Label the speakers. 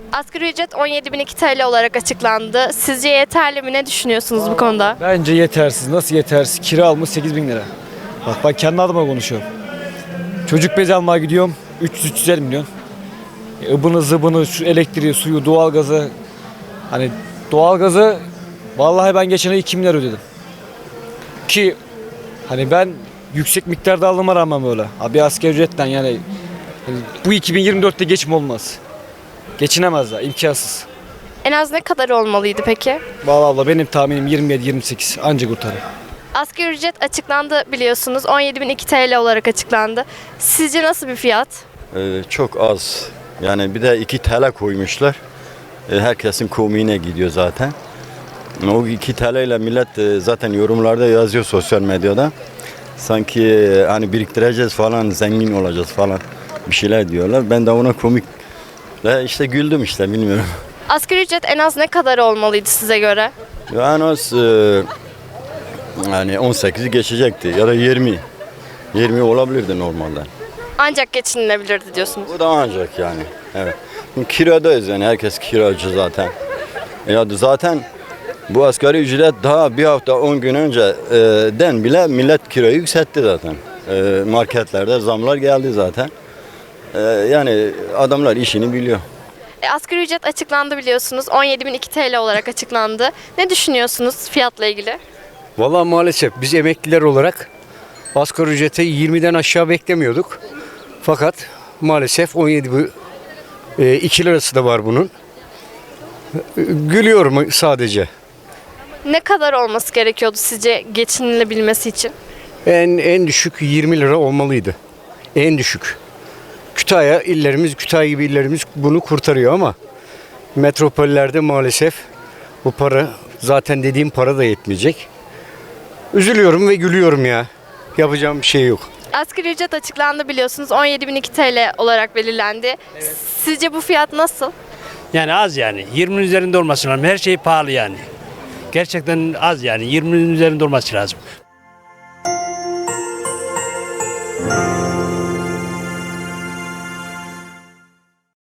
Speaker 1: Asgari ücret 17.002 TL olarak açıklandı. Sizce yeterli mi? Ne düşünüyorsunuz bu konuda?
Speaker 2: Bence yetersiz. Nasıl yetersiz? Kira almış 8.000 lira. Bak ben kendi adıma konuşuyorum. Çocuk bezi almaya gidiyorum. 300-350 milyon. Ibını zıbını, şu elektriği, suyu, doğalgazı. Hani doğalgazı vallahi ben geçen ay 2 milyar ödedim. Ki hani ben yüksek miktarda aldığıma rağmen böyle. Abi asgari ücretten yani bu 2024'te geçim olmaz. Geçinemezler, imkansız.
Speaker 1: En az ne kadar olmalıydı peki?
Speaker 2: Vallahi abla benim tahminim 27-28 anca kurtarır.
Speaker 1: Asgari ücret açıklandı biliyorsunuz. 17.002 TL olarak açıklandı. Sizce nasıl bir fiyat?
Speaker 3: Çok az. Yani bir de 2 TL koymuşlar. Herkesin komiğine gidiyor zaten. O 2 TL ile millet zaten yorumlarda yazıyor sosyal medyada. Sanki hani biriktireceğiz falan, zengin olacağız falan bir şeyler diyorlar. Ben de ona komikle işte güldüm işte bilmiyorum.
Speaker 1: Asgari ücret en az ne kadar olmalıydı size göre?
Speaker 3: Yani az yani 18'i geçecekti ya da 20. 20 olabilirdi normalde.
Speaker 1: Ancak geçinilebilirdi diyorsunuz.
Speaker 3: Bu da ancak yani. Evet. Kiradayız yani herkes kiracı zaten. Ya zaten bu asgari ücret daha bir hafta 10 gün önce den bile millet kirayı yükseltti zaten. Marketlerde zamlar geldi zaten. Yani adamlar işini biliyor.
Speaker 1: Asgari ücret açıklandı biliyorsunuz. 17.002 TL olarak açıklandı. Ne düşünüyorsunuz fiyatla ilgili?
Speaker 4: Vallahi maalesef biz emekliler olarak asgari ücrete 20'den aşağı beklemiyorduk. Fakat maalesef 2 lirası da var bunun. Gülüyorum sadece.
Speaker 1: Ne kadar olması gerekiyordu sizce geçinilebilmesi için?
Speaker 4: En düşük 20 lira olmalıydı. En düşük. Kütahya gibi illerimiz bunu kurtarıyor ama metropollerde maalesef bu para zaten dediğim para da yetmeyecek. Üzülüyorum ve gülüyorum ya. Yapacağım bir şey yok.
Speaker 1: Asgari ücret açıklandı biliyorsunuz. 17.002 TL olarak belirlendi. Sizce bu fiyat nasıl?
Speaker 5: Yani az yani. 20'nin üzerinde olması lazım. Her şey pahalı yani. Gerçekten az yani. 20'nin üzerinde olması lazım.